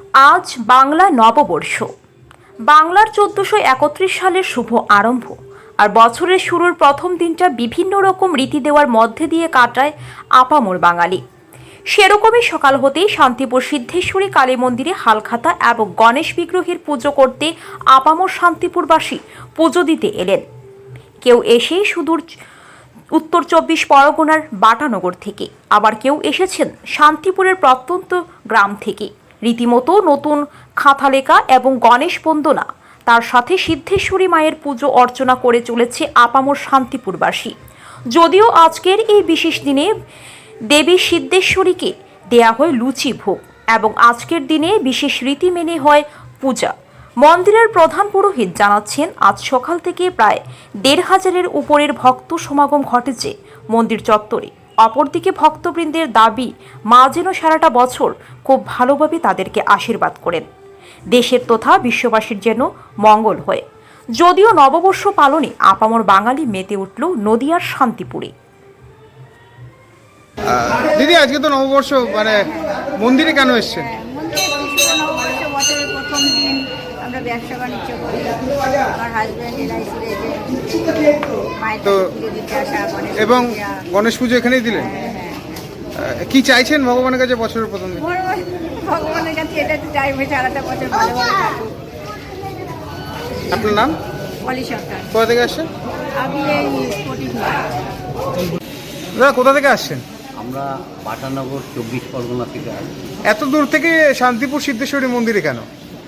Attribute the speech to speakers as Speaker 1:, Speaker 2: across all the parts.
Speaker 1: আজ বাংলা নববর্ষ। বাংলার 1431 সালের শুভ আরম্ভ আর বছরের শুরুর প্রথম দিনটা বিভিন্ন রকম রীতি দেওয়ার মধ্যে দিয়ে কাটায় আপামর বাঙালি। সেরকমই সকাল হতেই শান্তিপুর সিদ্ধেশ্বরী কালী মন্দিরে হালখাতা এবং গণেশ বিগ্রহের পুজো করতে আপামর শান্তিপুরবাসী পুজো দিতে এলেন। কেউ এসে সুদূর উত্তর 24 পরগনার বাটানগর থেকে, আবার কেউ এসেছেন শান্তিপুরের প্রত্যন্ত গ্রাম থেকে। রীতিমতো নতুন খাতা লেখা এবং গণেশ বন্দনা, তার সাথে সিদ্ধেশ্বরী মায়ের পুজো অর্চনা করে চলেছে আপামর শান্তিপুরবাসী। যদিও আজকের এই বিশেষ দিনে দেবী সিদ্ধেশ্বরীকে দেয়া হয় লুচি ভোগ এবং আজকের দিনে বিশেষ রীতি মেনে হয় পূজা। মন্দিরের প্রধান পুরোহিত জানাচ্ছেন, আজ সকাল থেকে প্রায় 1,500-এর উপরের ভক্ত সমাগম ঘটেছে মন্দির চত্বরে। অপরদিকে ভক্তবৃন্দের দাবি, মা যেন সারাটা বছর খুব ভালোভাবে তাদেরকে আশীর্বাদ করেন, দেশের তথা বিশ্ববাসীর যেন মঙ্গল হয়। যদিও নববর্ষ পালনে আপামর বাঙালি মেতে উঠল নদিয়ার শান্তিপুরে।
Speaker 2: দিদি, আজকে তো নববর্ষ, মানে মন্দিরে কেন এসছেন?
Speaker 3: বছরের প্রথম দিন আমরা ব্যবসা বাণিজ্য করি। আমার হাজব্যান্ড এলআইসির এজেন্ট,
Speaker 2: তো এবং গণেশ পুজো এখানেই দিলেন। কি চাইছেন ভগবানের কাছে বছরের প্রথম দিন?
Speaker 3: ভগবানের কাছে এটা তো চাইবে সারাটা বছর ভালো ভালো থাকুক।
Speaker 2: আপনার নাম?
Speaker 3: পলি সরকার।
Speaker 2: কোথা থেকে আসছেন?
Speaker 3: আমি এই স্পোর্টিং।
Speaker 2: দাদা, কোথা থেকে আসছেন?
Speaker 4: আমরা বাটানগর 24 পরগনা থেকে আসি।
Speaker 2: এত দূর থেকে শান্তিপুর সিদ্ধেশ্বরী মন্দিরে কেন?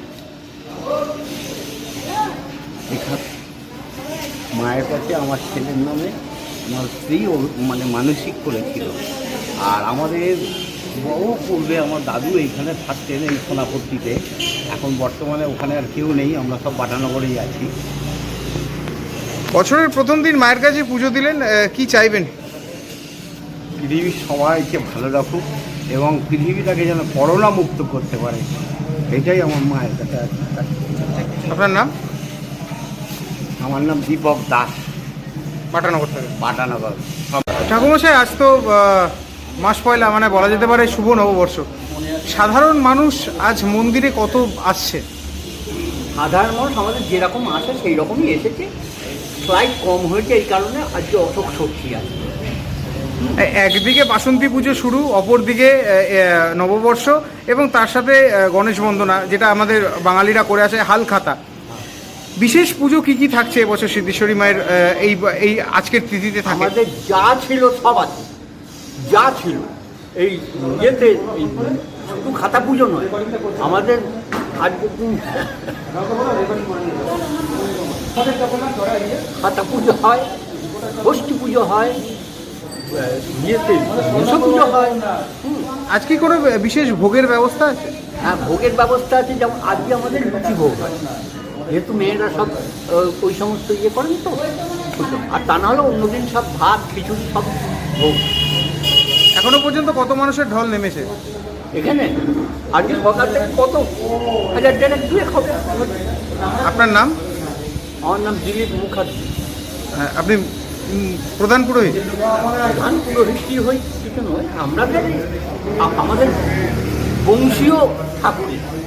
Speaker 4: এখানে মায়ের কাছে আমার ছেলের নামে আমার স্ত্রী মানে মানসিক করেছিল। আর আমাদের বহু পূর্বে আমার দাদু এইখানে থাকতেন, এই সোনাপট্টিতে। এখন বর্তমানে ওখানে আর কেউ নেই, আমরা সব বাটানগরেই আছি।
Speaker 2: বছরের প্রথম দিন মায়ের কাছে পুজো দিলেন, কি চাইবেন?
Speaker 4: পৃথিবীর সবাইকে ভালো রাখুক এবং পৃথিবীটাকে যেন করোনা মুক্ত করতে পারে, এটাই আমার মায়ের কাছে আছে।
Speaker 2: আপনার নাম?
Speaker 4: আমার নাম দীপক দাস,
Speaker 2: বাটানগর থেকে।
Speaker 4: বাটানগর।
Speaker 2: ঠাকুরমশাই, আজ তো মাস পয়লা, মানে বলা যেতে পারে শুভ নববর্ষ। সাধারণ মানুষ আজ মন্দিরে কত আসছে?
Speaker 4: সাধারণ মানুষ আমাদের যেরকম আসে সেই রকমই এসেছে, স্লাইড কম হয়েছে, এই কারণে আজকে অশোক সত্যি আছে।
Speaker 2: একদিকে বাসন্তী পুজো শুরু, অপরদিকে নববর্ষ এবং তার সাথে গণেশ বন্দনা, যেটা আমাদের বাঙালিরা করে আসে, হালখাতা। বিশেষ পুজো কি কি থাকছে এবছর সিদ্ধেশ্বরী মায়ের এই আজকের তিথিতে?
Speaker 4: আমাদের যা ছিল সব আছে, যা ছিল এই ইয়েতে, শুধু খাতা পুজো নয়, আমাদের আজকের দিন খাতা পুজো হয়, ষষ্ঠী পুজো হয়, ইয়েতে মনসা পুজো হয়।
Speaker 2: আজ কি কোনো বিশেষ ভোগের ব্যবস্থা আছে?
Speaker 4: হ্যাঁ, ভোগের ব্যবস্থা আছে। যেমন আজকে আমাদের লুচি ভোগ হয়, যেহেতু মেয়েরা সব ওই সমস্ত ইয়ে করেন তো, আর তা নাহলে অন্যদিন সব ভাত খিচুড়ি সব ভোগ।
Speaker 2: এখনো পর্যন্ত কত মানুষের ঢল নেমেছে
Speaker 4: এখানে? আজকে সকাল থেকে কত হাজার দেড়েক দুয়েক হবে।
Speaker 2: আপনার নাম?
Speaker 4: আমার নাম দিলীপ মুখার্জি।
Speaker 2: আপনি প্রধান পুরোহিত?
Speaker 4: প্রধান পুরোহিত কি হই কিছু নয়, আমাদের বংশীয় ঠাকুরই।